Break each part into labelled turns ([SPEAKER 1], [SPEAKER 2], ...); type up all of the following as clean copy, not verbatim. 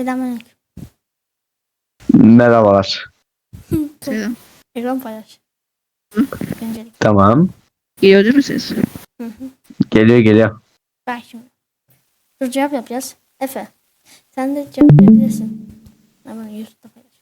[SPEAKER 1] Selamünaleyküm.
[SPEAKER 2] Merhabalar.
[SPEAKER 3] Selam.
[SPEAKER 1] Ekran paylaş.
[SPEAKER 3] Hı?
[SPEAKER 1] Öncelik.
[SPEAKER 2] Tamam.
[SPEAKER 3] Geliyor değil mi ses?
[SPEAKER 1] Hı hı.
[SPEAKER 2] Geliyor.
[SPEAKER 1] Bak şimdi. Dur cevap yapacağız. Efe. Sen de cevap yapabilirsin. Ben bunu YouTube'da paylaş.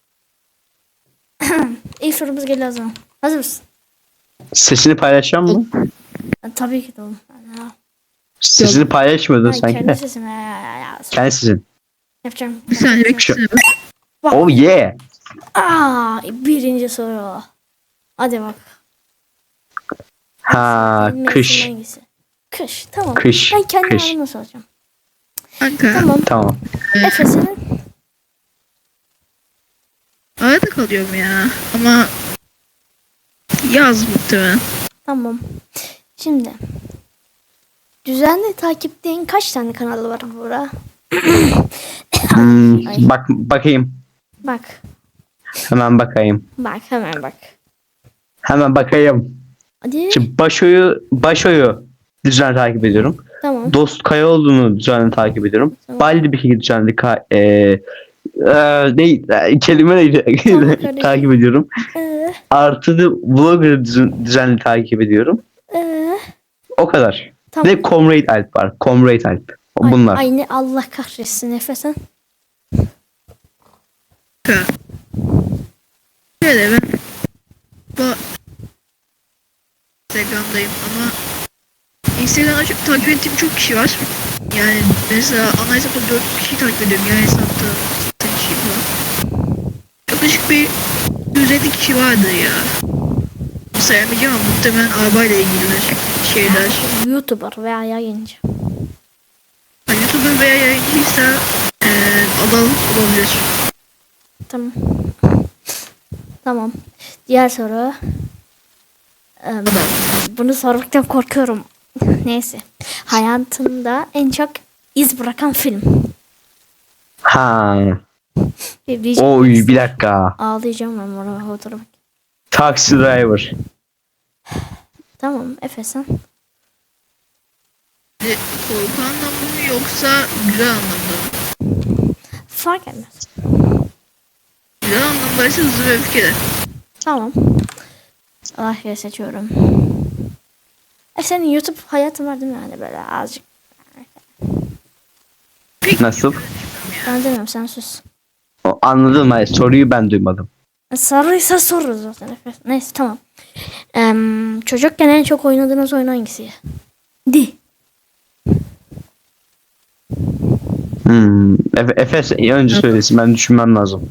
[SPEAKER 1] İlk sorumuz geliyor o zaman. Hazır mısın?
[SPEAKER 2] Sesini paylaşacak mı?
[SPEAKER 1] Tabii ki de oğlum. Ha,
[SPEAKER 2] Sesini paylaşmıyordun sanki
[SPEAKER 1] kendi
[SPEAKER 2] de.
[SPEAKER 1] sesim. Ya.
[SPEAKER 2] Kendi sesin.
[SPEAKER 1] Yapacağım.
[SPEAKER 3] Bir saniye beklesene.
[SPEAKER 1] Bak.
[SPEAKER 2] Oh yeah.
[SPEAKER 1] Birinci soru. Hadi bak.
[SPEAKER 2] Ha,
[SPEAKER 1] Benim
[SPEAKER 2] kış.
[SPEAKER 1] mevsim hangisi? Kış. Tamam.
[SPEAKER 2] Kış,
[SPEAKER 1] Ben kendi
[SPEAKER 2] kış.
[SPEAKER 1] halime soracağım.
[SPEAKER 3] Kanka.
[SPEAKER 1] Tamam.
[SPEAKER 2] Tamam.
[SPEAKER 1] Efe senin.
[SPEAKER 3] Arada kalıyorum ya. Ama yaz muhtemelen.
[SPEAKER 1] Tamam. Şimdi. Düzenli takipteyin kaç tane kanalı var burada? Ay.
[SPEAKER 2] Bakayım.
[SPEAKER 1] Bak.
[SPEAKER 2] Hemen bakayım.
[SPEAKER 1] Bak hemen bak.
[SPEAKER 2] Hemen bakayım.
[SPEAKER 1] Hadi.
[SPEAKER 2] Şimdi Başo'yu düzenli takip ediyorum.
[SPEAKER 1] Tamam.
[SPEAKER 2] Dost Kayaoğlu'nu düzenli takip ediyorum.
[SPEAKER 1] Tamam.
[SPEAKER 2] Baldi bir şekilde düzenli kelime neydi?
[SPEAKER 1] Tamam, kardeşim.
[SPEAKER 2] takip ediyorum.
[SPEAKER 1] Ee,
[SPEAKER 2] Artı da Vlogger'ı düzenli takip ediyorum. O kadar.
[SPEAKER 1] tamam.
[SPEAKER 2] Ve Comrade Alp var. Comrade Alp.
[SPEAKER 1] Ay,
[SPEAKER 2] Bunlar.
[SPEAKER 1] ay ne Allah kahretsin Efe sen.
[SPEAKER 3] Kanka. Şöyle ben bu Instagram'dayım ama Instagram'da çok takip ettiğim çok kişi var. Yani mesela ana hesapta 4 kişi takip ediyorum. Yani hesapta 8 kişi falan. Yaklaşık bir 150 kişi vardır ya. Sayamayacağım ama muhtemelen arabayla ilgili şeyler.
[SPEAKER 1] YouTuber veya yayıncı.
[SPEAKER 3] YouTuber veya yayıncıysa olabilir.
[SPEAKER 1] Tamam. Tamam. Diğer soru. Bunu sormaktan korkuyorum. Neyse. Hayatında en çok iz bırakan film.
[SPEAKER 2] Ha.
[SPEAKER 1] Diyeceğim.
[SPEAKER 2] Oy bir dakika.
[SPEAKER 1] Ağlayacağım ben buna oturup.
[SPEAKER 2] Taxi Driver.
[SPEAKER 1] Tamam Efe sen.
[SPEAKER 3] Korku anlamda mı yoksa güzel anlamda mı?
[SPEAKER 1] Fark etmez.
[SPEAKER 3] Güzel anlamdaysa Hızlı ve Öfkeli.
[SPEAKER 1] Tamam. Allah seçiyorum. Senin YouTube hayatın var değil mi yani böyle azıcık?
[SPEAKER 2] Nasıl?
[SPEAKER 1] Ben demiyorum sen sus.
[SPEAKER 2] Anladım. Hayır, soruyu ben duymadım.
[SPEAKER 1] Sarıysa soru zaten Efe. Neyse tamam. Çocukken en çok oynadığınız oyun hangisi? Di.
[SPEAKER 2] Efes önce söylesin. Ben düşünmem lazım.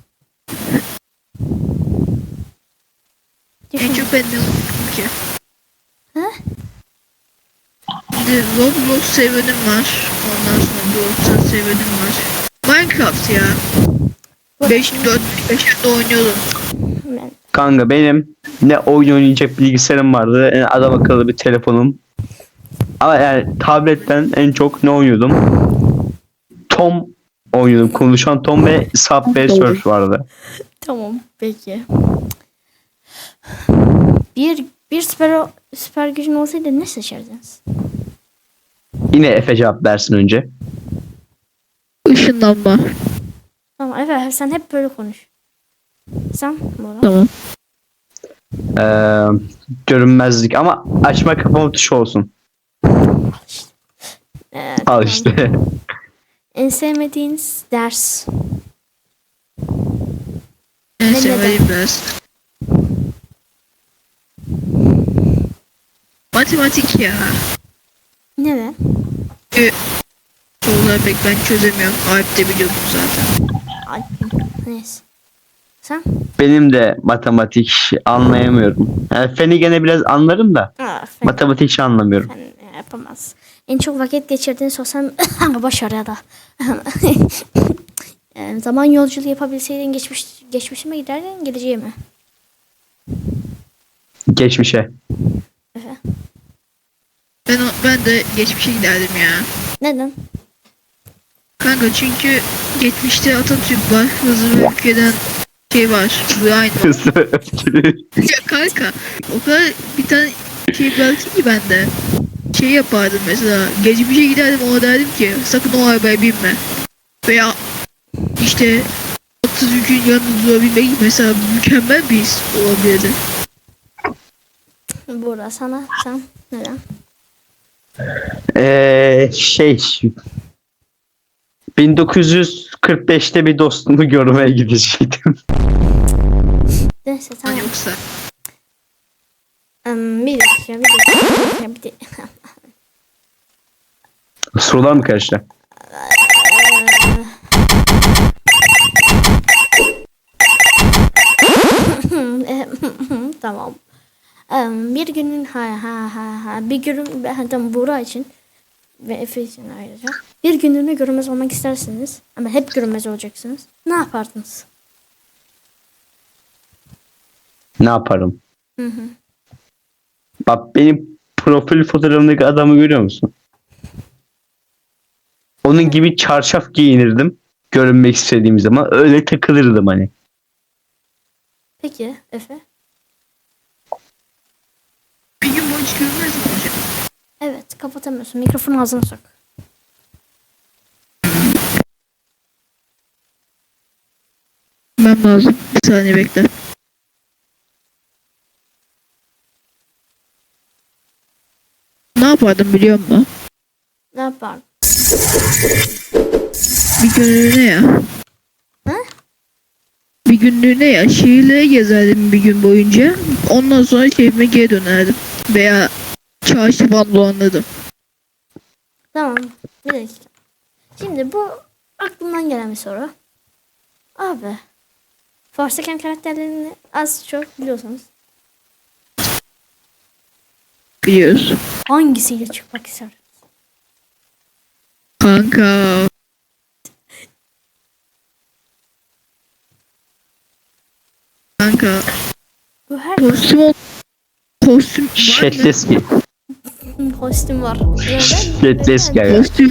[SPEAKER 3] En çok ben ne unuttum ki?
[SPEAKER 1] Ha?
[SPEAKER 3] Bir de Roblox serverim var. Ondan sonra Roblox serverim var. Minecraft ya. 5 yaşında oynuyordum.
[SPEAKER 1] Ben,
[SPEAKER 2] Kanka benim ne oyun oynayacak bilgisayarım vardı. Ne adam akıllı bir telefonum. Ama yani tabletten en çok ne oynuyordum? Tom oynuyordum. Konuşan Tom ve Subway Surf vardı.
[SPEAKER 1] tamam peki. Bir süper gücün olsaydı ne seçerdiniz?
[SPEAKER 2] Yine Efe cevap versin önce.
[SPEAKER 3] Işınlanma.
[SPEAKER 1] Tamam Efe sen hep böyle konuş. Sen Bora.
[SPEAKER 3] Tamam.
[SPEAKER 2] Görünmezlik ama açma kapama tuşu olsun. Al
[SPEAKER 1] Tamam.
[SPEAKER 2] işte.
[SPEAKER 1] En sevmediğiniz ders.
[SPEAKER 3] En
[SPEAKER 1] Ve
[SPEAKER 3] sevdiğim ders. Matematik ya.
[SPEAKER 1] Neden?
[SPEAKER 3] Soruları pek ben çözemiyorum. Alp de biliyor bunu zaten.
[SPEAKER 1] Alp'in. Neyse. Sen?
[SPEAKER 2] Benim de matematik anlayamıyorum. Yani feni gene biraz anlarım da
[SPEAKER 1] Fen
[SPEAKER 2] matematik hiç anlamıyorum.
[SPEAKER 1] yapamaz. En çok vakit geçirdiğin sosyal başarı ya da zaman yolculuğu yapabilseydin geçmişe mi giderdin geleceğe mi?
[SPEAKER 2] Geçmişe.
[SPEAKER 1] Efe.
[SPEAKER 3] Ben de geçmişe giderdim ya.
[SPEAKER 1] Neden?
[SPEAKER 3] Kanka çünkü geçmişte Atatürk var. Hızlı ve Öfkeli'den şey var. Brian var. Ya kanka o kadar bir tane şey bıraktım ki ben de. Şey yapardım mesela. Geçmişe giderdim ona derdim ki sakın o arabaya binme. Veya İşte Atatürk'ün yanında durabilmek mesela mükemmel bir his olabilirdi.
[SPEAKER 1] Buğra sana sen neden?
[SPEAKER 2] Şey 1945'te bir dostumu görmeye gidecektim.
[SPEAKER 1] Neyse tamam.
[SPEAKER 3] Yoksa
[SPEAKER 1] Bir dakika.
[SPEAKER 2] Sorular mı karıştı?
[SPEAKER 1] Tamam. Bir günün bir günün tamam, Buğra için ve Efe için ayrıca bir günlüğüne görünmez olmak istersiniz ama hep görünmez olacaksınız. Ne yapardınız?
[SPEAKER 2] Ne yaparım?
[SPEAKER 1] Hı hı.
[SPEAKER 2] Bak benim profil fotoğrafımdaki adamı görüyor musun? Onun gibi çarşaf giyinirdim. Görünmek istediğim zaman öyle takılırdım hani.
[SPEAKER 1] Peki Efe?
[SPEAKER 3] bir gün boyunca görmez mi olacak?
[SPEAKER 1] Evet, kapatamıyorsun. Mikrofonu ağzına sok.
[SPEAKER 3] Ben lazım. Bir saniye bekle. Ne yapardım biliyor musun?
[SPEAKER 1] Ne yapardın?
[SPEAKER 3] Bir günlüğüne ya.
[SPEAKER 1] Ha?
[SPEAKER 3] Bir günlüğüne ya. Şehirleri gezerdim bir gün boyunca. Ondan sonra şehrime geri dönerdim. Veya çarşı falan dolanırdım.
[SPEAKER 1] Tamam. Bir dakika. Şimdi bu aklımdan gelen bir soru. Abi. Forsaken karakterlerini az çok biliyorsunuz.
[SPEAKER 3] Biliyoruz.
[SPEAKER 1] Hangisiyle çıkmak ister?
[SPEAKER 3] Kanka. Kanka.
[SPEAKER 1] Bu her
[SPEAKER 3] Kostüm var mı?
[SPEAKER 2] Şetleski.
[SPEAKER 1] kostüm var.
[SPEAKER 2] Şetleski ya.
[SPEAKER 3] Kostüm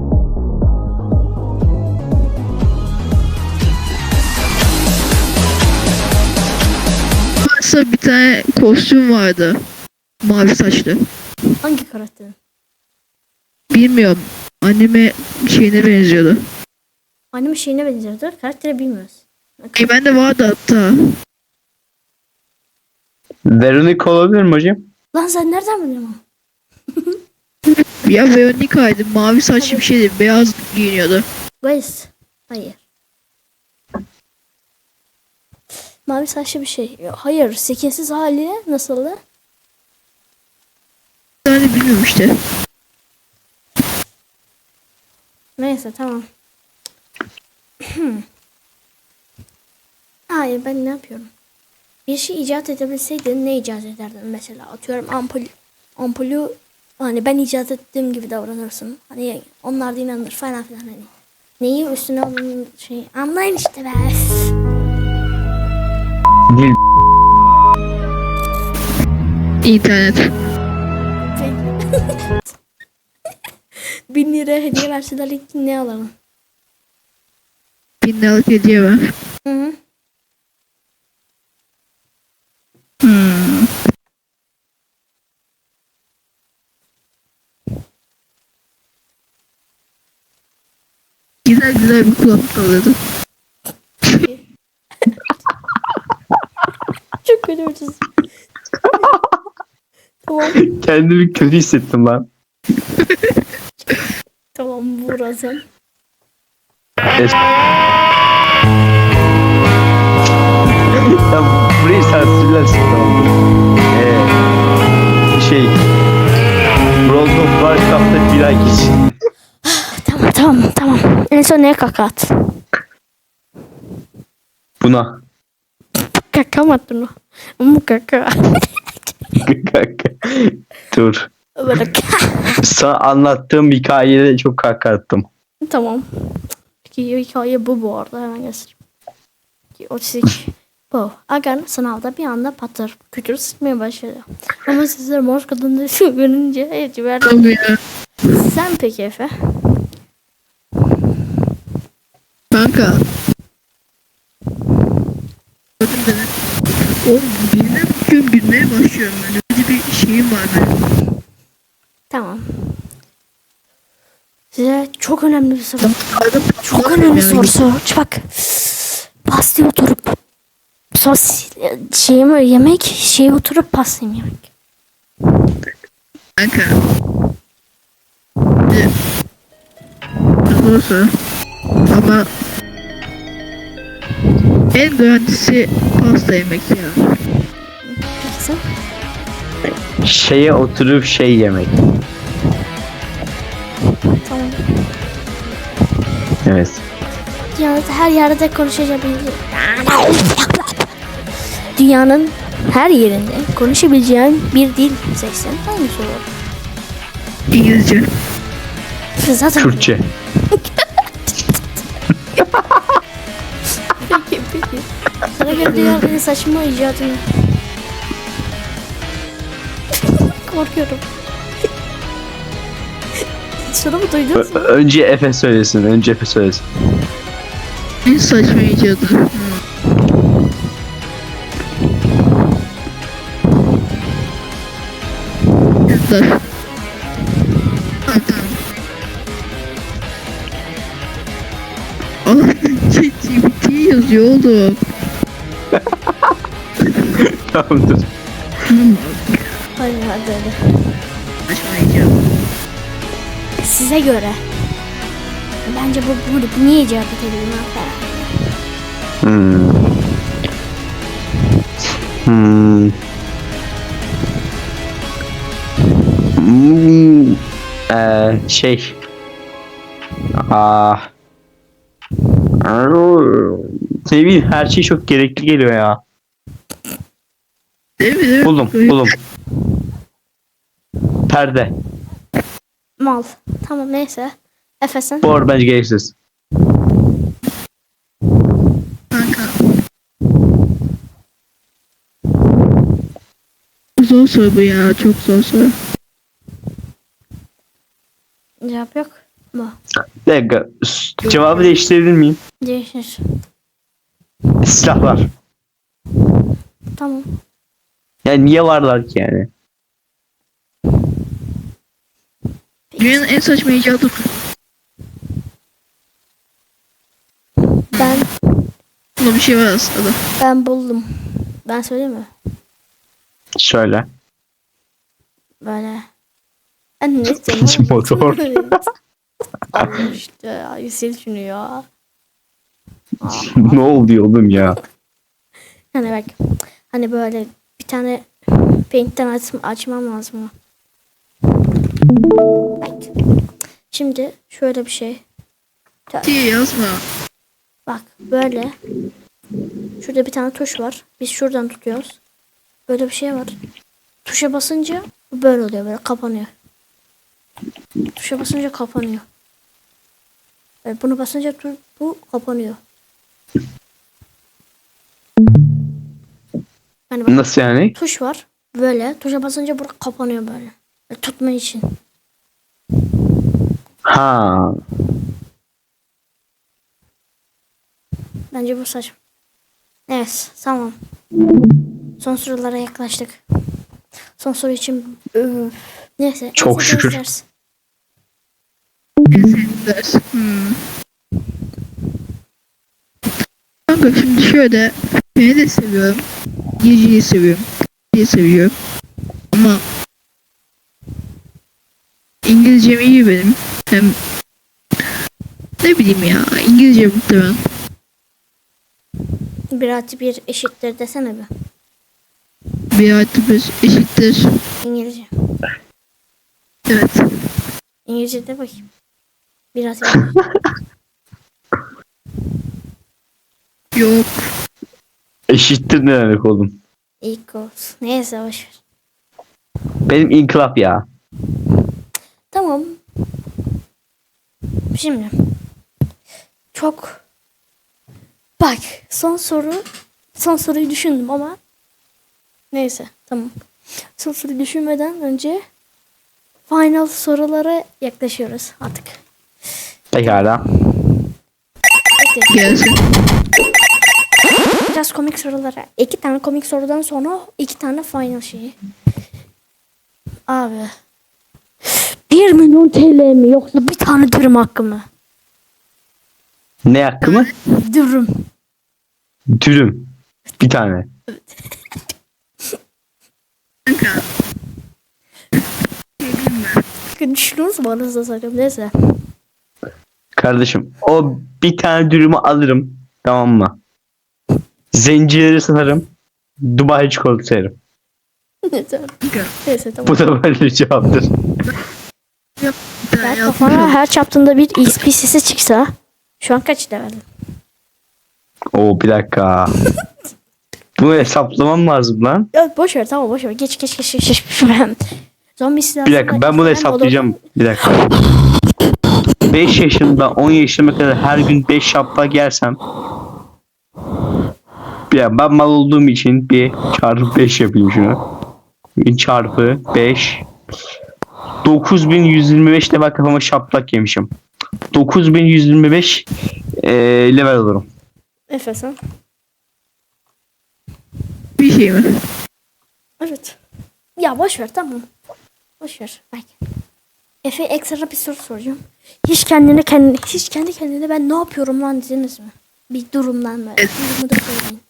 [SPEAKER 3] varsa bir tane kostüm vardı. Mavi saçlı.
[SPEAKER 1] Hangi karakterin?
[SPEAKER 3] Bilmiyorum. Anime şeyine benziyordu.
[SPEAKER 1] Anime şeyine benziyordur. Karakteri bilmiyoruz.
[SPEAKER 3] Bende vardı hatta.
[SPEAKER 2] Veronica olabilir mi hocam?
[SPEAKER 1] Lan sen nereden biliyorsun?
[SPEAKER 3] Ya Veronica'ydı. Mavi saçlı bir şeydi. Beyaz giyiniyordu.
[SPEAKER 1] Guys. Hayır. Mavi saçlı bir şey. Hayır. Sekinsiz hali nasıldı?
[SPEAKER 3] Bir tane bilmiyorum işte.
[SPEAKER 1] Neyse tamam. Hayır ben ne yapıyorum? Bir şey icat edebilseydin ne icat ederdin mesela? Atıyorum ampulü hani ben icat ettiğim gibi davranırsın. Hani onlar da inanır falan filan hani. Neyi üstüne alın şey anlayın işte be.
[SPEAKER 2] Dil.
[SPEAKER 3] İnternet.
[SPEAKER 1] 1000 lira hediye verseler ilk ne alalım?
[SPEAKER 3] 1000 liralık hediye ver.
[SPEAKER 1] Hı hı.
[SPEAKER 3] Güzel güzel bir kulaklık alırdım.
[SPEAKER 1] Çok kötü ucuz. Tamam.
[SPEAKER 2] Kendimi kötü hissettim lan.
[SPEAKER 1] Tamam burası.
[SPEAKER 2] Ya burayı sansürlersin tamam mı? World of Warcraft'ta bir ay geç.
[SPEAKER 1] Tamam. En son neye kaka at?
[SPEAKER 2] Buna.
[SPEAKER 1] Kaka mı attın o? Ama kaka.
[SPEAKER 2] Dur.
[SPEAKER 1] Böyle
[SPEAKER 2] Sana anlattığım hikayede çok kaka attım.
[SPEAKER 1] Tamam. Peki hikaye bu arada hemen göstereyim. 32. Bu. Agan sınavda bir anda patır. Kütür sıkmaya başladı. Ama sizler mor kadını görünce hepsi verdi.
[SPEAKER 3] Tabii ya.
[SPEAKER 1] Sen peki Efe?
[SPEAKER 3] Kanka. Gördün beni. Oğlum birine bakıyorum gülmeye başlıyorum böyle. Bir şeyim var benim.
[SPEAKER 1] Tamam. Size çok önemli bir soru.
[SPEAKER 3] Arada
[SPEAKER 1] Çok önemli soru. Bak. Pastaya oturup şeye oturup pasta yemek.
[SPEAKER 3] Kanka. Doğrusu. Ama en garantisi pasta yemek ya.
[SPEAKER 1] Peki sen?
[SPEAKER 2] Şeye oturup şey yemek.
[SPEAKER 1] Tamam.
[SPEAKER 2] Evet.
[SPEAKER 1] Dünyanın her yerde konuşabileceğin Dünyanın her yerinde konuşabileceğin bir dil seçsen hangisi olur?
[SPEAKER 3] İngilizce.
[SPEAKER 1] Zaten
[SPEAKER 2] Kürtçe.
[SPEAKER 1] peki. Sana göre dünyanın en saçma icadını. Korkuyorum. Şunu mu duydun?
[SPEAKER 2] Önce Efe söylesin. Önce Efe söylesin.
[SPEAKER 3] En saçma icadı. Yazlar. Allah ChatGPT yazıyor oğlum.
[SPEAKER 2] Tamamdır.
[SPEAKER 1] Hadi.
[SPEAKER 3] Saçma icadı.
[SPEAKER 1] Size göre. Bence bu niye icat edildi?
[SPEAKER 2] Hmm. Hmm. Şey. Ah. Ne bileyim, her şey çok gerekli geliyor ya.
[SPEAKER 3] Değil mi?
[SPEAKER 2] Buldum. Perde.
[SPEAKER 1] Mal. Tamam neyse. Efesen.
[SPEAKER 2] Bu arada bence gereksiz.
[SPEAKER 3] Kanka. Zor soru bu ya. Çok zor soru.
[SPEAKER 1] Cevap yok mu?
[SPEAKER 2] Bir dakika. Cevabı değiştirebilir miyim?
[SPEAKER 1] Değişir.
[SPEAKER 2] Silahlar.
[SPEAKER 1] Tamam.
[SPEAKER 2] Yani niye varlar ki yani?
[SPEAKER 3] Dünyanın en saçma icadı.
[SPEAKER 1] Ben
[SPEAKER 3] Bunda bir şey var aslında.
[SPEAKER 1] buldum. Ben söyleyeyim mi?
[SPEAKER 2] Şöyle.
[SPEAKER 1] Böyle. Ben ne diyeceğim?
[SPEAKER 2] Motor.
[SPEAKER 1] Allah işte ya. Yüksel şunu ya.
[SPEAKER 2] Ne oldu oğlum ya?
[SPEAKER 1] Hani bak. Hani böyle bir tane Paint'ten açmam lazım. Bak. Şimdi şöyle bir şey.
[SPEAKER 3] Diye yazma.
[SPEAKER 1] Bak böyle. Şurada bir tane tuş var. Biz şuradan tutuyoruz. Böyle bir şey var. Tuşa basınca bu böyle oluyor, böyle kapanıyor. Tuşa basınca kapanıyor. Bunu basınca bu kapanıyor. Yani bak,
[SPEAKER 2] Nasıl yani?
[SPEAKER 1] tuş var. Böyle tuşa basınca burada kapanıyor böyle. Tutma için.
[SPEAKER 2] Ha.
[SPEAKER 1] Bence bu saçma. Evet, tamam. Son sorulara yaklaştık. Son soru için neyse.
[SPEAKER 2] Çok
[SPEAKER 1] neyse,
[SPEAKER 2] şükür.
[SPEAKER 1] ders.
[SPEAKER 3] En sevdiğim ders. Kanka şimdi şöyle. Beni de seviyorum. İngilizceyi seviyorum. İngilizceyi seviyorum. Ama İngilizcem iyi benim. Hem ne bileyim ya. İngilizce muhtemelen.
[SPEAKER 1] 1+1 eşittir desene bir.
[SPEAKER 3] 1+1 eşittir.
[SPEAKER 1] İngilizce.
[SPEAKER 3] Evet.
[SPEAKER 1] İngilizce de bakayım. 1+1.
[SPEAKER 3] Yok.
[SPEAKER 2] Eşittir ne demek oğlum?
[SPEAKER 1] Equals. Neyse boşver.
[SPEAKER 2] Benim inkılap ya.
[SPEAKER 1] Tamam. Şimdi. Çok. Bak. Son soruyu düşündüm ama. Neyse. Tamam. Son soruyu düşünmeden önce final sorulara yaklaşıyoruz artık.
[SPEAKER 2] Pekala.
[SPEAKER 1] Bekle.
[SPEAKER 3] Gelsin.
[SPEAKER 1] Biraz komik sorulara. 2 tane komik sorudan sonra 2 tane final şeyi. Abi. 1 milyon TL mi yoksa bir tane dürüm hakkı mı?
[SPEAKER 2] Ne hakkı mı?
[SPEAKER 1] Dürüm.
[SPEAKER 2] Dürüm. Bir tane.
[SPEAKER 3] Kanka. Ne diyeyim ben?
[SPEAKER 1] Düşünüyoruz mu anasını satayım, neyse.
[SPEAKER 2] Kardeşim o bir tane dürümü alırım. Tamam mı? Zencileri satarım. Dubai çikolatası yerim.
[SPEAKER 1] Neyse.
[SPEAKER 3] Kanka.
[SPEAKER 1] Neyse tamam.
[SPEAKER 2] Bu da böyle bir cevaptır.
[SPEAKER 3] Ben
[SPEAKER 1] Ben
[SPEAKER 3] yapmış
[SPEAKER 1] kafana
[SPEAKER 3] oldum.
[SPEAKER 1] her çaptığında bir XP sesi çıksa şu an kaç levelim?
[SPEAKER 2] Oo bir dakika. Bunu hesaplamam lazım lan.
[SPEAKER 1] Ya boş ver, tamam boş ver. Geç. Zombi silahı.
[SPEAKER 2] Bir dakika ben bunu hesaplayacağım. Bir dakika. 5 yaşında 10 yaşıma kadar her gün 5 şaplak yersem, ya ben mal olduğum için bir çarpı 5 yapayım şunu. Bir çarpı 5. 9125 de bak kafama şaplak yemişim. 9125 level olurum.
[SPEAKER 1] Efe sen.
[SPEAKER 3] Bir şey mi?
[SPEAKER 1] Evet. Ya boş ver, tamam. Boş ver. Bak. Efe ekstra bir soru soracağım. Hiç kendi kendine ben ne yapıyorum lan dediniz mi? Bir durumdan böyle.
[SPEAKER 3] Evet.
[SPEAKER 1] Durumu da söyleyin.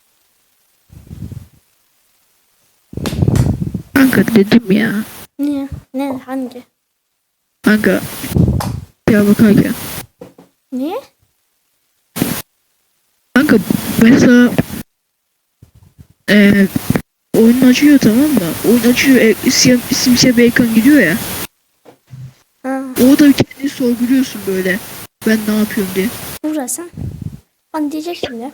[SPEAKER 3] Kanka dedim ya.
[SPEAKER 1] Niye? Ne? Hangi?
[SPEAKER 3] Kanka. Ya bakarken.
[SPEAKER 1] Niye?
[SPEAKER 3] Kanka mesela oyun açıyor, tamam mı? Oyun açıyor, simsiyah bir ekran gidiyor ya.
[SPEAKER 1] Ha.
[SPEAKER 3] Orada bir kendini sorguluyorsun böyle. Ben ne yapıyorum diye.
[SPEAKER 1] Uğraşsan. Bana diyecek şimdi.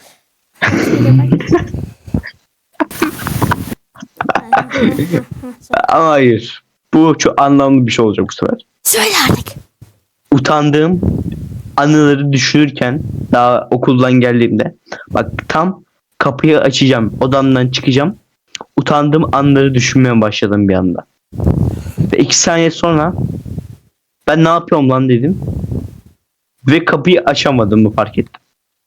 [SPEAKER 2] Ama hayır. Bu çok anlamlı bir şey olacak bu sefer.
[SPEAKER 1] Söyle artık.
[SPEAKER 2] Utandığım anıları düşünürken daha okuldan geldiğimde, bak tam kapıyı açacağım, odamdan çıkacağım, utandığım anları düşünmeye başladım bir anda. Ve 2 saniye sonra ben ne yapıyorum lan dedim ve kapıyı açamadığımı fark ettim.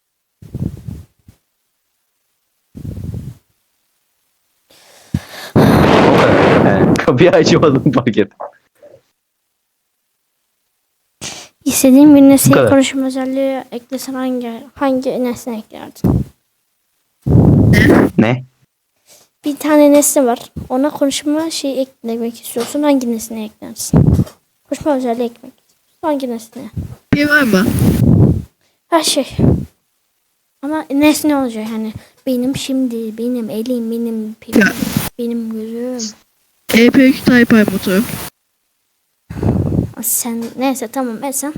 [SPEAKER 2] O kadar. Yani kapıyı açamadığımı fark ettim.
[SPEAKER 1] İstediğin bir
[SPEAKER 2] Bu
[SPEAKER 1] nesneye
[SPEAKER 2] kadar.
[SPEAKER 1] konuşma özelliği eklesen hangi nesne eklerdin?
[SPEAKER 2] Ne?
[SPEAKER 1] Bir tane nesne var. Ona konuşma şeyi eklemek istiyorsun. Hangi nesneye eklersin? Konuşma özelliği eklemek istiyorsun. Hangi nesneye?
[SPEAKER 3] Bir şey var mı?
[SPEAKER 1] Her şey. Ama nesne olacak hani. Benim şimdi, benim elim, benim pilim,
[SPEAKER 3] Ya.
[SPEAKER 1] benim gözüm.
[SPEAKER 3] EP2 Type I motor.
[SPEAKER 1] Sen neyse tamam sen.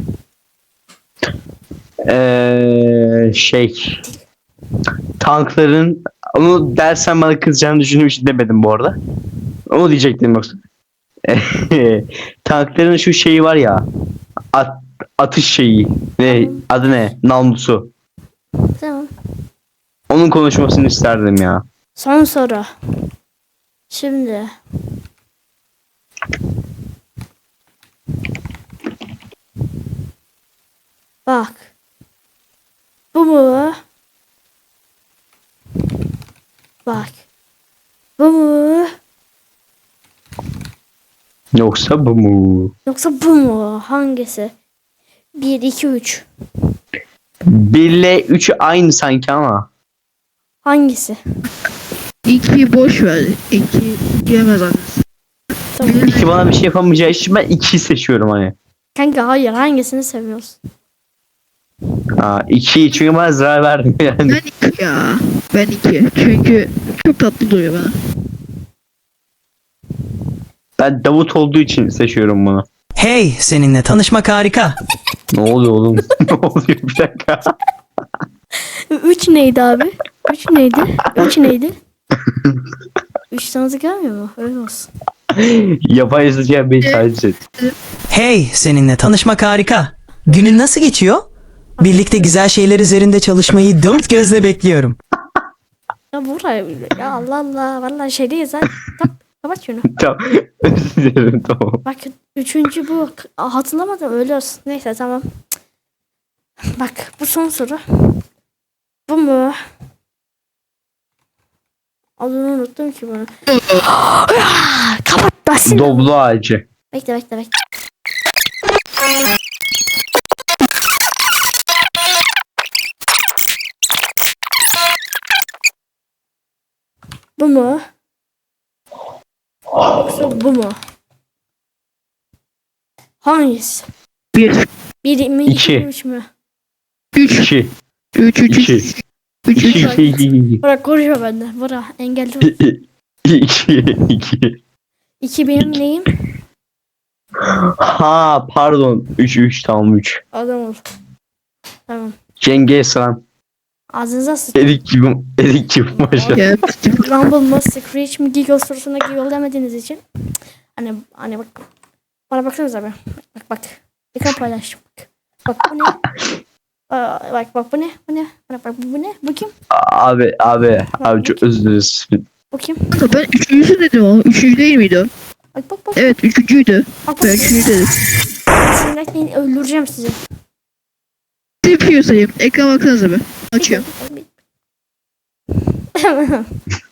[SPEAKER 2] Şey, tankların, onu dersen bana kızacağını düşündüğüm için demedim bu arada. Onu diyecektim yoksa. Tankların şu şeyi var ya, atış şeyi. Ne adı ne? Namlusu.
[SPEAKER 1] Tamam.
[SPEAKER 2] Onun konuşmasını isterdim ya.
[SPEAKER 1] Son soru. Şimdi. Bak. Bu mu? Bak. Bu mu?
[SPEAKER 2] Yoksa bu mu?
[SPEAKER 1] Yoksa bu mu? Hangisi? 1, 2, 3.
[SPEAKER 2] 1 ile 3 aynı sanki ama.
[SPEAKER 1] Hangisi?
[SPEAKER 3] 2 boş ver. 2 diyemez annesi.
[SPEAKER 1] Tamam.
[SPEAKER 2] 2 bana bir şey yapamayacağı için ben 2'yi seçiyorum hani.
[SPEAKER 1] Kanka hayır, hangisini seviyorsun?
[SPEAKER 2] 2'yi çünkü bana zarar verdim yani.
[SPEAKER 3] Ben 2 ya. Ben 2. Çünkü çok tatlı duruyor bana.
[SPEAKER 2] Ben Davut olduğu için seçiyorum bunu.
[SPEAKER 4] Hey, seninle tanışmak harika.
[SPEAKER 2] Ne oluyor oğlum? Ne oluyor, bir dakika.
[SPEAKER 1] 3 neydi abi? 3 neydi? 3 neydi? 3 tanıdık gelmiyor mu? Öyle olsun.
[SPEAKER 2] Yapay zeka beni taciz etti.
[SPEAKER 4] Hey, seninle tanışmak harika. Günün nasıl geçiyor? Birlikte güzel şeyler üzerinde çalışmayı dört gözle bekliyorum.
[SPEAKER 1] Ya buraya ya Allah Allah vallahi şey değil zaten. Kapat şunu.
[SPEAKER 2] Tamam. Özür dilerim, tamam.
[SPEAKER 1] Bak üçüncü bu. Hatırlamadım, öyle olsun. Neyse tamam. Bak bu son soru. Bu mu? Adını unuttum ki bunu. Kapat basit.
[SPEAKER 2] Doblo ağacı.
[SPEAKER 1] Bekle. Bu mu? Yoksa bu mu? Hangisi?
[SPEAKER 3] 1,
[SPEAKER 1] 1 mi?
[SPEAKER 2] İki.
[SPEAKER 1] 2 mi? 3 mü?
[SPEAKER 3] 3,
[SPEAKER 2] 2
[SPEAKER 3] 3, 3,
[SPEAKER 2] 2
[SPEAKER 3] 3, 3, 3.
[SPEAKER 2] 2
[SPEAKER 1] Bırak konuşma benden. Bırak engelli.
[SPEAKER 2] 2
[SPEAKER 1] 2 benim neyim?
[SPEAKER 2] Ha pardon 3 tamam 3.
[SPEAKER 1] Adam ol. Tamam.
[SPEAKER 2] Cengiz Han.
[SPEAKER 1] Ağzınıza sıç.
[SPEAKER 2] Erik gibi maşallah.
[SPEAKER 3] Ya,
[SPEAKER 1] Rumble mı? Screech mi? Giggle sorusuna giggle demediğiniz için. Hani bak. Bana baksanıza be. Bak. Ekran paylaştım. Bak bu ne? Bak bu ne? Bak bu ne? Bu kim?
[SPEAKER 2] Abi çok özür dileriz.
[SPEAKER 1] Bu kim?
[SPEAKER 3] kanka ben 3. dedim ama 3. değil miydi o?
[SPEAKER 1] Bak.
[SPEAKER 3] Evet 3.'üydü.
[SPEAKER 1] Bak.
[SPEAKER 3] Ben 3. dedim.
[SPEAKER 1] Sinirlenmeyin, öldüreceğim sizi.
[SPEAKER 3] Yapıyor sayayım. Ekran baksanıza be. Açıyorum.